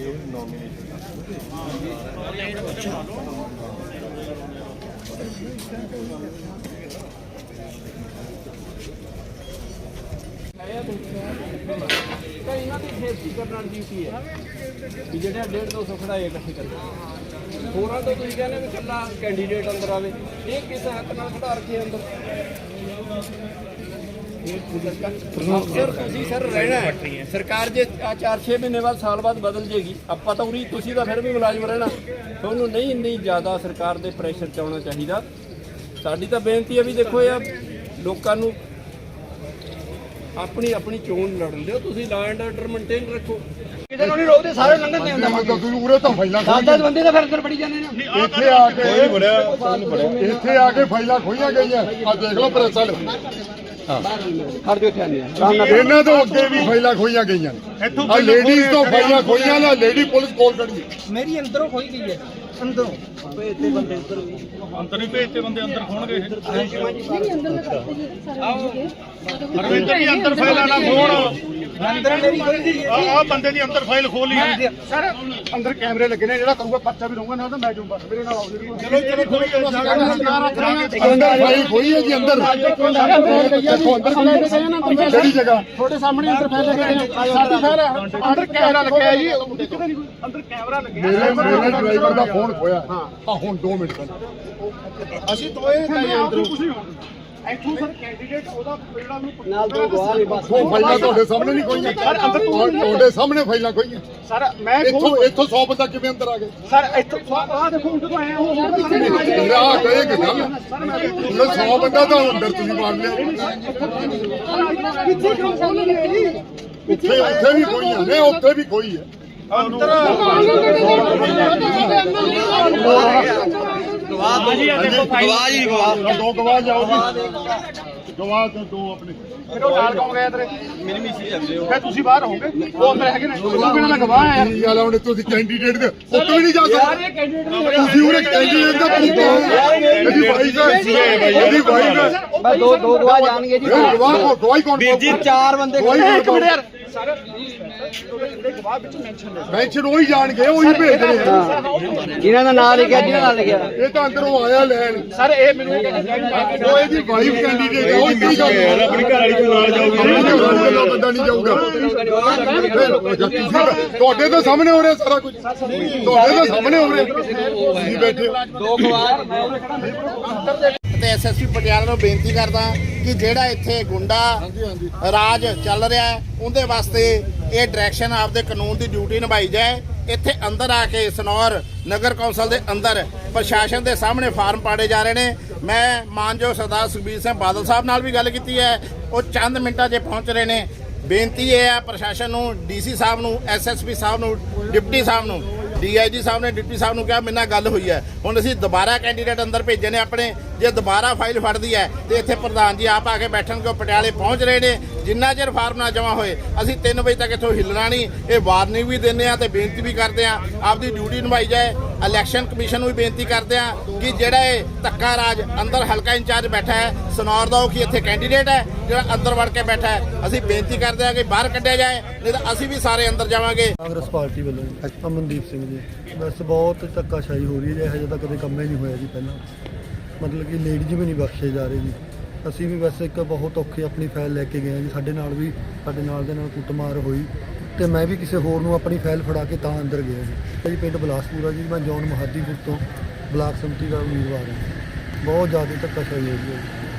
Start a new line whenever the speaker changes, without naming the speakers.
ਇਹਨਾਂ ਦੀ ਸੇਫਟੀ ਕਰਨ ਦੀ ਡਿਊਟੀ ਹੈ ਵੀ ਜਿਹੜੇ 150-200 ਖੜਾਏ ਇਕੱਠੇ ਕਰਦੇ ਹੋਰਾਂ ਤੋਂ ਤੁਸੀਂ ਕਹਿੰਦੇ ਵੀ ਇਕੱਲਾ ਕੈਂਡੀਡੇਟ ਅੰਦਰ ਆਵੇ ਇਹ ਕਿਸ ਹੱਕ ਨਾਲ ਖੜਾ ਰੱਖੇ ਅੰਦਰ ਸਰ ਤੁਸੀਂ ਸਰ ਰਹਿਣਾ ਹੈ ਸਰਕਾਰ ਜੇ 4-6 ਮਹੀਨੇ ਬਾਅਦ ਸਾਲ ਬਾਅਦ ਬਦਲ ਜੇਗੀ ਆਪਾਂ ਤਾਂ ਉਰੀ ਤੁਸੀਂ ਤਾਂ ਫਿਰ ਵੀ ਮੁਲਾਜ਼ਮ ਰਹਿਣਾ ਤੁਹਾਨੂੰ ਨਹੀਂ ਇੰਨੀ ਜ਼ਿਆਦਾ ਸਰਕਾਰ ਦੇ ਪ੍ਰੈਸ਼ਰ 'ਚ ਆਉਣਾ ਚਾਹੀਦਾ ਸਾਡੀ ਤਾਂ ਬੇਨਤੀ ਹੈ ਵੀ ਦੇਖੋ ਯਾਰ ਲੋਕਾਂ ਨੂੰ ਆਪਣੀ ਆਪਣੀ ਚੋਣ ਲੜਨ ਦਿਓ ਤੁਸੀਂ ਲਾ ਐਂਡ ਆਰਡਰ ਮੇਨਟੇਨ ਰੱਖੋ ਕਿਸੇ ਨੂੰ ਨਹੀਂ ਰੋਕਦੇ ਸਾਰੇ ਲੰਘਣ ਦੇ ਹੁੰਦਾ
ਤੁਸੀਂ ਉਰੇ ਤਾਂ ਫਾਈਲਾਂ
10 ਬੰਦੇ ਤਾਂ ਫਿਰ ਅੰਦਰ ਬੜੀ ਜਾਂਦੇ ਨੇ
ਇੱਥੇ ਆ ਕੇ ਇੱਥੇ ਆ ਕੇ ਫਾਈਲਾਂ ਖੋਈਆਂ ਗਈਆਂ ਆ ਦੇਖ ਲਓ ਪ੍ਰੈਸ ਵਾਲੇ
ਖੜ ਦਿਓ ਇੱਥੇ ਆਨੇ
ਇਹਨਾਂ ਤੋਂ ਅੱਗੇ ਵੀ ਫਾਈਲਾਂ ਖੋਈਆਂ ਗਈਆਂ ਆ ਲੇਡੀਜ਼ ਤੋਂ ਫਾਈਲਾਂ ਖੋਈਆਂ ਨਾ ਲੇਡੀ ਪੁਲਿਸ ਕੋਲ ਖੜੀ
ਮੇਰੀ ਅੰਦਰੋਂ ਖੋਈ ਗਈ ਹੈ ਅੰਦਰੋਂ ਭੇਜਤੇ ਬੰਦੇ ਅੰਦਰ
ਹੀ ਭੇਜਤੇ ਬੰਦੇ ਅੰਦਰ ਖੋਣਗੇ
ਅੰਦਰ
ਵੀ ਅੰਦਰ ਫਾਈਲਾਂ ਨਾ ਖੋਣ
ਅੰਦਰ ਮੇਰੀ ਖੋਈ ਗਈ
ਆ ਬੰਦੇ ਦੀ ਅੰਦਰ ਫਾਈਲ ਖੋਲੀ ਹੈ
ਸਰ ਅੰਦਰ ਕੈਮਰੇ ਲੱਗੇ ਨੇ ਜਿਹੜਾ ਕਰੂਗਾ ਪਰਚਾ ਵੀ ਰਹੂਗਾ ਨਾ ਤਾਂ ਮੈਂ ਜੂੰਗਾ ਮੇਰੇ ਨਾਲ ਆਓ
ਚਲੋ ਕੋਈ
ਅੰਦਰ ਫਾਈਲ ਖੋਈ ਹੈ ਜੀ ਅੰਦਰ ਕਿਹੜੀ ਜਗ੍ਹਾ
ਤੁਹਾਡੇ ਸਾਹਮਣੇ ਅੰਦਰ ਫਾਈਲ ਲੱਗੇ
ਸਾਡੀ ਫਾਈਲ ਅੰਦਰ ਕੈਮਰਾ ਲੱਗਿਆ ਜੀ
ਅੰਦਰ ਕੈਮਰਾ ਲੱਗਿਆ
ਮੇਰੇ ਡਰਾਈਵਰ ਦਾ ਫੋਨ ਖੋਇਆ ਆ ਹੁਣ 2 ਮਿੰਟ ਪਹਿਲਾਂ
ਅਸੀਂ ਦੋਏ ਗਏ ਅੰਦਰੋਂ ਇੱਥੋਂ ਸਰ ਕੈਂਡੀਡੇਟ ਉਹਦਾ ਜਿਹੜਾ ਨੂੰ
ਨਾਲ ਦੋ ਗਵਾਹ ਨੇ ਬਸ
ਉਹ ਫਾਈਲਾਂ ਤੁਹਾਡੇ ਸਾਹਮਣੇ ਨਹੀਂ ਖੋਈਆਂ ਤੁਹਾਡੇ ਸਾਹਮਣੇ ਫਾਈਲਾਂ ਖੋਈਆਂ
ਸਰ ਮੈਂ
ਇੱਥੋਂ 100 ਬੰਦਾ ਕਿਵੇਂ ਅੰਦਰ ਆ ਗਏ
ਸਰ ਇੱਥੋਂ ਆਹ ਦੇਖੋ ਹੁਣ ਜਦੋਂ ਆਇਆ ਉਹ
ਆ ਕਹੇ ਕਿ ਗੱਲ 100 ਬੰਦਾ ਤਾਂ ਅੰਦਰ ਤੁਸੀਂ ਮਾਰ ਲਿਆ ਉੱਥੇ ਵੀ ਖੋਈਆਂ ਨੇ ਉੱਥੇ ਵੀ ਖੋਈ ਹੈ
ਗਵਾਹ ਜੀ ਦੇਖੋ ਫਾਈਲ
ਦੋ ਗਵਾਹ ਜਾਓ ਜੀ ਗਵਾਹ ਦੋ ਆਪਣੇ
ਫਿਰ ਉਹ ਨਾਲ ਕੌਣ ਗਿਆ ਤੇਰੇ ਮੇਰੀ ਮਿਸੀ ਜਾਂਦੇ ਹੋ ਫਿਰ ਤੁਸੀਂ ਬਾਹਰ ਹੋਗੇ ਉਹ ਅੰਦਰ ਹੈਗੇ ਨੇ ਤੁਸੀਂ ਕਿਹਨਾਂ ਦਾ ਗਵਾਹ ਆ
ਕੀ ਗੱਲ ਹੁਣ ਤੁਸੀਂ ਕੈਂਡੀਡੇਟ ਦੇ ਉੱਤੇ ਵੀ ਨਹੀਂ ਜਾ ਸਕਦੇ ਤੁਸੀਂ ਉਰੇ ਕੈਂਡੀਡੇਟ ਦਾ ਇਹਦੀ ਵਾਈਫ ਹੈ ਇਹਦੀ ਵਾਈਫ ਹੈ
ਬਸ ਦੋ ਗਵਾਹ ਜਾਣਗੇ ਜੀ
ਗਵਾਹ ਗਵਾਹੀ ਕੌਣ
ਜੀ 4 ਬੰਦੇ
ਇੱਕ ਮਿੰਟ ਯਾਰ
ਸਰ ਜਿਹੜੇ ਗਵਾਹ ਵਿੱਚ ਮੈਂਸ਼ਨ ਨੇ
ਮੈਂਸ਼ਨ ਉਹੀ ਜਾਣਗੇ ਉਹੀ ਭੇਜਦੇ ਨੇ
ਜਿਨ੍ਹਾਂ ਦਾ ਨਾਮ ਲਿਖਿਆ ਜਿਹਨਾਂ ਦਾ ਲਿਖਿਆ
ਇਹ ਤਾਂ ਅੰਦਰੋਂ ਆਇਆ ਲੈਣ
ਸਰ ਇਹ ਮੈਨੂੰ ਇਹ ਕਹਿੰਦਾ
ਉਹ ਇਹਦੀ ਵਾਈਫ ਕੈਂਡੀਡੇਟ ਹੈ ਉਹ ਕੀ ਗੱਲ
ਆਪਣੀ ਘਰ ਵਾਲੀ ਕੋਲ ਨਾਲ ਜਾਊਗੀ
ਬੰਦਾ ਨਹੀਂ ਜਾਊਗਾ ਤੁਹਾਡੇ ਤਾਂ ਸਾਹਮਣੇ ਹੋ ਰਿਹਾ ਸਾਰਾ ਕੁਝ ਤੁਹਾਡੇ ਤਾਂ ਸਾਹਮਣੇ ਹੋ ਰਿਹਾ ਤੁਸੀਂ ਬੈਠੇ
ਦੋ ਗਵਾਹ
ਤੇ ਐਸਐਸਪੀ ਪਟਿਆਲਾ ਨੂੰ ਬੇਨਤੀ ਕਰਦਾ ਕਿ ਜਿਹੜਾ ਇੱਥੇ ਗੁੰਡਾ ਰਾਜ ਚੱਲ ਰਿਹਾ ਹੈ ਉਹਦੇ ਵਾਸਤੇ ਇਹ ਡਾਇਰੈਕਸ਼ਨ ਆਪਦੇ ਕਾਨੂੰਨ ਦੀ ਡਿਊਟੀ ਨਿਭਾਈ ਜਾਏ ਇੱਥੇ ਅੰਦਰ ਆ ਕੇ ਸਨੌਰ ਨਗਰ ਕੌਂਸਲ ਦੇ ਅੰਦਰ ਪ੍ਰਸ਼ਾਸਨ ਦੇ ਸਾਹਮਣੇ ਫਾਰਮ ਪਾੜੇ ਜਾ ਰਹੇ ਨੇ ਮੈਂ ਮਾਨਯੋਗ ਸਰਦਾਰ ਸੁਖਬੀਰ ਸਿੰਘ ਬਾਦਲ ਸਾਹਿਬ ਨਾਲ ਵੀ ਗੱਲ ਕੀਤੀ ਹੈ ਉਹ ਚੰਦ ਮਿੰਟਾਂ 'ਚ ਪਹੁੰਚ ਰਹੇ ਨੇ ਬੇਨਤੀ ਇਹ ਹੈ ਪ੍ਰਸ਼ਾਸਨ ਨੂੰ ਡੀਸੀ ਸਾਹਿਬ ਨੂੰ ਐਸਐਸਪੀ ਸਾਹਿਬ ਨੂੰ ਡਿਪਟੀ ਸਾਹਿਬ ਨੂੰ ਡੀਆਈਜੀ ਸਾਹਿਬ ਨੇ ਡਿਪਟੀ ਸਾਹਿਬ ਨੂੰ ਕਿਹਾ ਮੇਰੇ ਨਾਲ ਗੱਲ ਹੋਈ ਹੈ ਹੁਣ ਅਸੀਂ ਦੁਬਾਰਾ ਕੈਂਡੀਡੇਟ ਅੰਦਰ ਭੇਜੇ ਨੇ ਆਪਣੇ ਜੇ ਦੁਬਾਰਾ ਫਾਈਲ ਫੜਦੀ ਹੈ ਤੇ ਇੱਥੇ ਪ੍ਰਧਾਨ ਜੀ ਆਪ ਆ ਕੇ ਬੈਠਣਗੇ ਉਹ ਪਟਿਆਲੇ ਪਹੁੰਚ ਰਹੇ ਨੇ ਜਿੰਨਾ ਚਿਰ ਫਾਰਮ ਨਾ ਜਮ੍ਹਾਂ ਹੋਏ ਅਸੀਂ 3 ਵਜੇ ਤੱਕ ਇੱਥੋਂ ਹਿੱਲਣਾ ਨਹੀਂ ਇਹ ਵਾਰਨਿੰਗ ਵੀ ਦਿੰਦੇ ਆ ਤੇ ਬੇਨਤੀ ਵੀ ਕਰਦੇ ਆ ਆਪਦੀ ਡਿਊਟੀ ਨਿਭਾਈ ਜਾਏ ਇਲੈਕਸ਼ਨ ਕਮਿਸ਼ਨ ਨੂੰ ਵੀ ਬੇਨਤੀ ਕਰਦੇ ਆ ਕਿ ਜਿਹੜਾ ਇਹ ਧੱਕਾ ਰਾਜ ਅੰਦਰ ਹਲਕਾ ਇੰਚਾਰਜ ਬੈਠਾ ਹੈ ਸਨੌਰ ਦਾ ਉਹ ਕੀ ਇੱਥੇ ਕੈਂਡੀਡੇਟ ਹੈ ਜਿਹੜਾ ਅੰਦਰ ਵੜ ਕੇ ਬੈਠਾ ਹੈ ਅਸੀਂ ਬੇਨਤੀ ਕਰਦੇ ਆ ਕਿ ਬਾਹਰ ਕੱਢਿਆ ਜਾਏ ਨਹੀਂ ਤਾਂ ਅਸੀਂ ਵੀ ਸਾਰੇ ਅੰਦਰ ਜਾਵਾਂਗੇ
ਕਾਂਗਰਸ ਪਾਰਟੀ ਵੱਲੋਂ ਅਮਨਦੀਪ ਸਿੰਘ ਜੀ ਬਸ ਬਹੁਤ ਧੱਕਾਸ਼ਾਹੀ ਹੋ ਰਹੀ ਹੈ ਹਜੇ ਤਾਂ ਕਦੇ ਕੰਮ ਹੀ ਨਹੀਂ ਹੋਇਆ ਜੀ ਪਹਿਲਾਂ ਮਤਲਬ ਕਿ ਲੇਡੀਜ਼ ਵੀ ਨਹੀਂ ਬਖਸ਼ੇ ਜਾ ਰਹੇ ਜੀ ਅਸੀਂ ਵੀ ਵੈਸੇ ਇੱਕ ਬਹੁਤ ਔਖੀ ਆਪਣੀ ਫਾਈਲ ਲੈ ਕੇ ਗਏ ਹਾਂ ਜੀ ਸਾਡੇ ਨਾਲ ਦੇ ਨਾਲ ਕੁੱਟਮਾਰ ਹੋਈ ਤੇ ਮੈਂ ਵੀ ਕਿਸੇ ਹੋਰ ਨੂੰ ਆਪਣੀ ਫਾਈਲ ਫੜਾ ਕੇ ਤਾਂ ਅੰਦਰ ਗਿਆ ਜੀ ਪਿੰਡ ਬਲਾਸਪੁਰਾ ਜੀ ਮੈਂ ਜੌਨ ਮਹਾਦੀਪੁਰ ਤੋਂ ਬਲਾਕ ਸੰਮਤੀ ਦਾ ਉਮੀਦਵਾਰ ਹਾਂ ਬਹੁਤ ਜ਼ਿਆਦਾ ਧੱਕਾਸ਼ਾਹੀ ਹੋ ਰਹੀ ਹੈ